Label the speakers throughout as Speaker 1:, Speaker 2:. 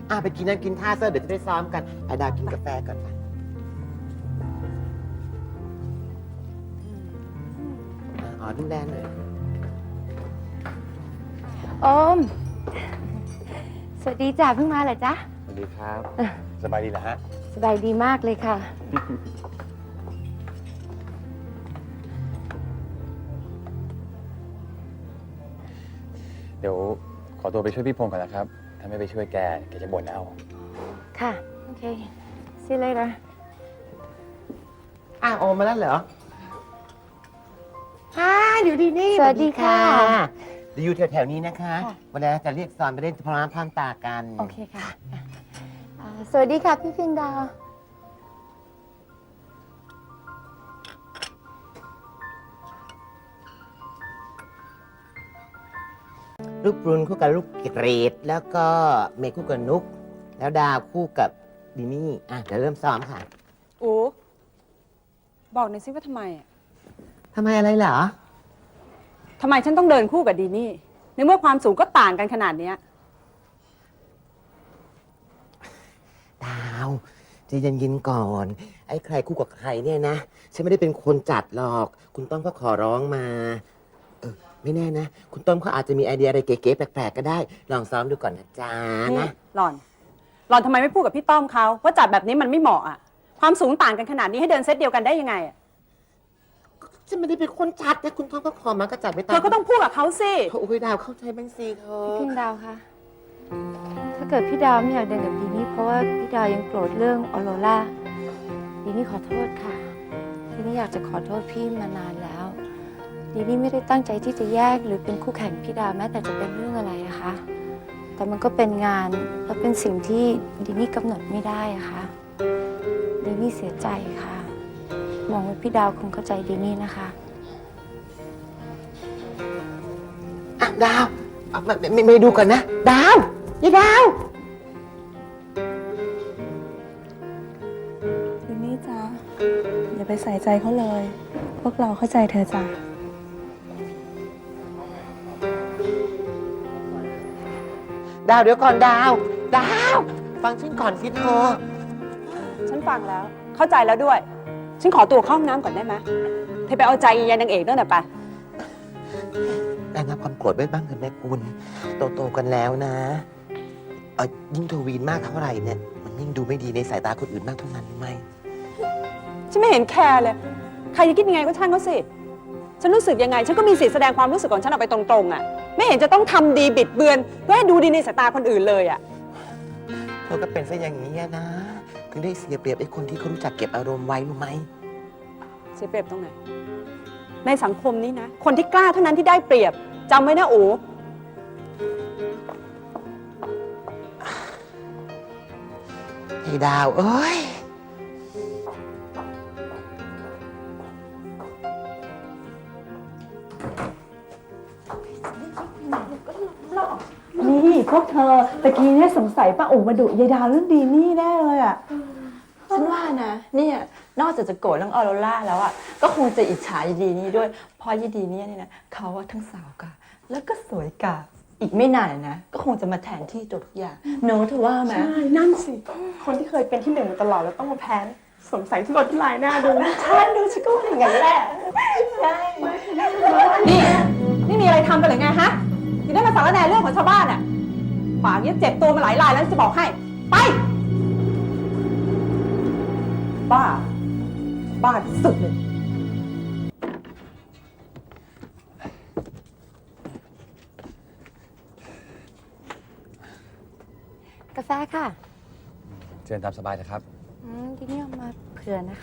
Speaker 1: ไปกินนั่นกินท่าเซอร์เดี๋ยวจะได้ซ้อมกันไปดาวกินกาแฟก่อนไปดูแลหน่อย
Speaker 2: โอม สวัสดีจ้ะเพิ่งมาเหรอจ๊ะ
Speaker 3: สวัสดีครับ สบายดีเหรอฮะ
Speaker 2: สบายดีมากเลยค่ะ
Speaker 3: เดี๋ยวขอตัวไปช่วยพี่พงศ์ก่อนนะครับ ถ้าไม่ไปช่วยแกจะบ่นเอา
Speaker 2: ค่ะ โอเค see you later
Speaker 1: โอมมาแล้วเหรออยู่ดีนี่
Speaker 2: สวัสดีค่ะ
Speaker 1: เดี๋ยวอยู่แถวๆนี้นะคะ
Speaker 2: ค่ะ
Speaker 1: วันนี้จะเรียกซอนไปเล่นพร้อมพร้อมตากัน
Speaker 2: โอเคค่ะสวัสดีค่ะพี่ฟินดาว
Speaker 1: ลูกปรุนคู่กับลูกเกรดแล้วก็เมย์คู่กับนุกแล้วดาวคู่กับดินี่เดี๋ยวเริ่มซ้อมค่ะ
Speaker 4: โอ้บอกหน่อยสิว่าทำไมอะ
Speaker 1: ทำไมอะไรเหรอ
Speaker 4: ทำไมฉันต้องเดินคู่กับดีนี่ในเมื่อความสูงก็ต่างกันขนาดเนี้ย
Speaker 1: ดาวใจเย็นๆก่อน ไอ้ใครคู่กับใครเนี่ยนะฉันไม่ได้เป็นคนจัดหรอก คุณต้อมก็ขอร้องมาไม่แน่นะ คุณต้อมเขาอาจจะมีไอเดียอะไรเก๋ๆแปลกๆก็ได้ ลองซ้อมดูก่อนนะจ๊ะ
Speaker 4: นี่
Speaker 1: นะ
Speaker 4: หล่อนทำไมไม่พูดกับพี่ต้อมเขาว่าจัดแบบนี้มันไม่เหมาะอ่ะความสูงต่างกันขนาดนี้ให้เดินเซตเดียวกันได้ยังไงอะ
Speaker 1: ฉันไม่ได้เป็นคนจัดนะคุณต้อมก็ขอมาก็จัดไป
Speaker 4: เธ
Speaker 1: ตาม
Speaker 4: อก็ต้องพูดกับเขาสิ
Speaker 1: โอ้ยดาวเข้าใจบ้างสิเธอ
Speaker 2: พี่ฟินดาวคะถ้าเกิดพี่ดาวไม่อยากเดินกับดีนี่เพราะว่าพี่ดาวยังโกรธเรื่องออโรราดีนี่ขอโทษค่ะดีนี่อยากจะขอโทษพี่มานานแล้วดีนี่ไม่ได้ตั้งใจที่จะแยกหรือเป็นคู่แข่งพี่ดาวแม้แต่จะเป็นเรื่องอะไรนะคะ แต่มันก็เป็นงานและเป็นสิ่งที่ดีนี่กำหนดไม่ได้อะค่ะดีนี่เสียใจค่ะหวังว่าพี่ดาวคงเข้าใจดีนี่นะคะ
Speaker 1: ดาวไม่ดูก่อนนะ ดาวยี่ดาว
Speaker 5: ดินี่จ้าอย่าไปใส่ใจเขาเลย พวกเราเข้าใจเธอจ้า
Speaker 1: ดาวเดี๋ยวก่อนดาว ฟังฉันก่อนสิเธอ
Speaker 4: ฉันฟังแล้วเข้าใจแล้วด้วย ฉันขอตัวเข้าห้องน้ำก่อนได้ไหมเธอไปเอาใจยายนางเอกด้วยหน่อยไป
Speaker 1: ระงับความโกรธไว้บ้างเถอะแม่คุณโตๆกันแล้วนะยิ่งโทวีนมากเท่าไหร่เนี่ยมันยิ่งดูไม่ดีในสายตาคนอื่นมากเท่านั้นไหม
Speaker 4: ฉันไม่เห็นแคร์เลย ใครจะคิดยังไงก็ช่างเขาสิ ฉันรู้สึกยังไง ฉันก็มีสิทธิ์แสดงความรู้สึกของฉันออกไปตรงๆอ่ะ ไม่เห็นจะต้องทำดีบิดเบือนเพื่อให้ดูดีในสายตาคนอื่นเลยอ่ะ
Speaker 1: เธอก็เป็นซะอย่างนี้นะถึงได้เสียเปรียบไอ้คนที่เขารู้จักเก็บอารมณ์ไว้รู้ไหม
Speaker 4: เสียเปรียบตรงไหน ในสังคมนี้นะ คนที่กล้าเท่านั้นที่ได้เปรียบจำไว้นะโอ้
Speaker 1: ไอ้ดาวเอ้ย
Speaker 5: นี่พวกเธอตะกี้เนี่ยสงสัยป้าอู๋มาดุยายดาวเรื่องดีนี่แน่เลยอ่ะ
Speaker 6: ฉันว่านะเนี่ยนอกจากจะโกรธเรื่องออโรราแล้วอ่ะก็คงจะอิจฉายายดีนี่ด้วยเพราะยายดีเนี่ยนะเขาว่าทั้งสาวกาแล้วก็สวยกาอีกไม่นานนะก็คงจะมาแทนที่ตัวทุกอย่างโน้ตเธอว่าไหม
Speaker 5: ใช่นั่นสิ คนที่เคยเป็นที่หนึ่งมาตลอดแล้วต้องมาแพ้สงสัยที่รถที่ลายหน้าดู
Speaker 6: ฉันดูฉันก็ว่าอย่างนั้นแหละใช่
Speaker 4: นี่มีอะไรทำกันหรือไงฮะถึงได้มาสารแหน่เรื่องของชาวบ้านอ่ะป่านนี้เจ็บตัวมาหลายรายแล้วจะบอกให้ ไป บ้า บ้าที่สุดเลย
Speaker 2: กาแฟค่ะ
Speaker 3: เชิญตามสบายนะครับ
Speaker 2: ดีนี่เอามาเผื่อนะคะ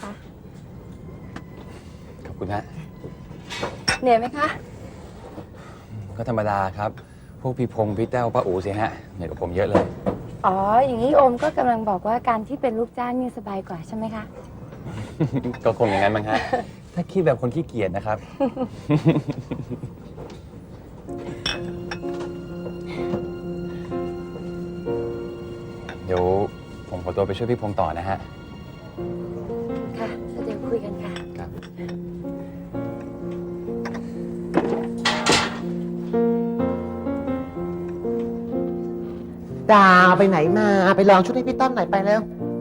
Speaker 3: ขอบคุณฮะ
Speaker 2: เหนื่อยไหมคะ
Speaker 3: ก็ธรรมดาครับ พวกพี่พงศ์พี่แต้วป้าอู๋สิฮะเหนื่อยกว่าผมเยอะเลย
Speaker 2: อ๋อ อย่างนี้โอมก็กำลังบอกว่าการที่เป็นลูกจ้างนี่สบายกว่าใช่ไหมคะ
Speaker 3: ก็คงอย่างนั้นมั้งฮะ ถ้าคิดแบบคนขี้เกียจนะครับ เดี๋ยวผมขอตัวไปช่วยพี่พงศ์ต่อนะฮะ
Speaker 2: ค่ะแล้วเดี๋ยวคุยกันค่ะ
Speaker 3: ครับ
Speaker 1: ดาวไปไหนมา ไปลองชุดให้พี่ต้อมหน่อยไปแล้ว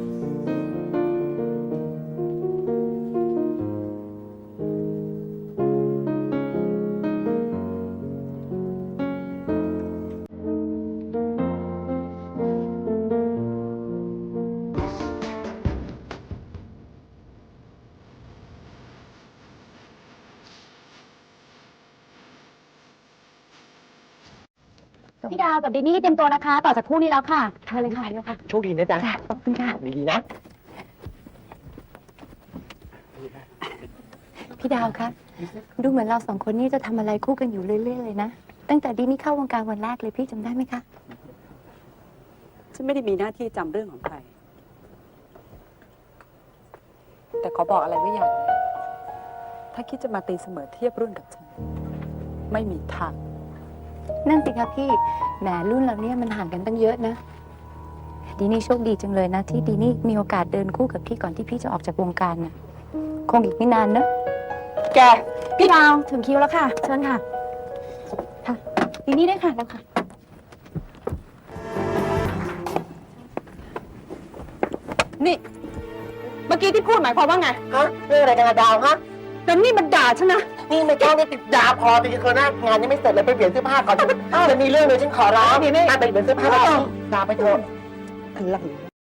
Speaker 7: พี่ดาวกับดินี่เตรียมตัวนะคะ ต่อจากคู่นี้แล้วค่ะเชิญเลยค่ะเดี๋ยวค่ะ
Speaker 1: โชคดีนะจ๊ะ
Speaker 7: ขอบคุณค่ะ
Speaker 1: ดีๆนะ
Speaker 2: พี่ดาวคะดูเหมือนเราสองคนนี่จะทำอะไรคู่กันอยู่เรื่อยๆเลยนะ ตั้งแต่ดีนี่เข้าวงการวันแรกเลยพี่จำได้ไหมคะ
Speaker 4: ฉันไม่ได้มีหน้าที่จำเรื่องของใคร แต่ขอบอกอะไรไว้อย่างหนึงถ้าคิดจะมาตีเสมอเทียบรุ่นกับฉัน ไม่มีทาง
Speaker 2: นั่นสิคะพี่แหมรุ่นเราเนี่ยมันห่างกันตั้งเยอะนะดีนี่โชคดีจังเลยนะ ที่ดีนี่มีโอกาสเดินคู่กับพี่ก่อนที่พี่จะออกจากวงการน่ะคงอีกไม่นานนะ
Speaker 7: แก พี่ดาวถึงคิวแล้วค่ะ เชิญค่ะ ค่ะดินี่ได้ค่ะแล้วค่ะ
Speaker 4: นี่ เมื่อกี้ที่พูดหมายความว่าไง
Speaker 1: ฮะเรื่องอะไรกันอะดาวฮะ
Speaker 4: แต่นี่มันด่าฉันนะ
Speaker 1: นี่ไม่ต้องติดดาวพอติดคนหน้างานยังไม่เสร็จเลยไปเปลี่ยนเสื้อผ้าก่อนจะมีเรื่องเลยฉันขอร้องนี่ไปเปลี่ยนเสื้อผ้าก่อนดาวไปเถอะ
Speaker 4: อะไร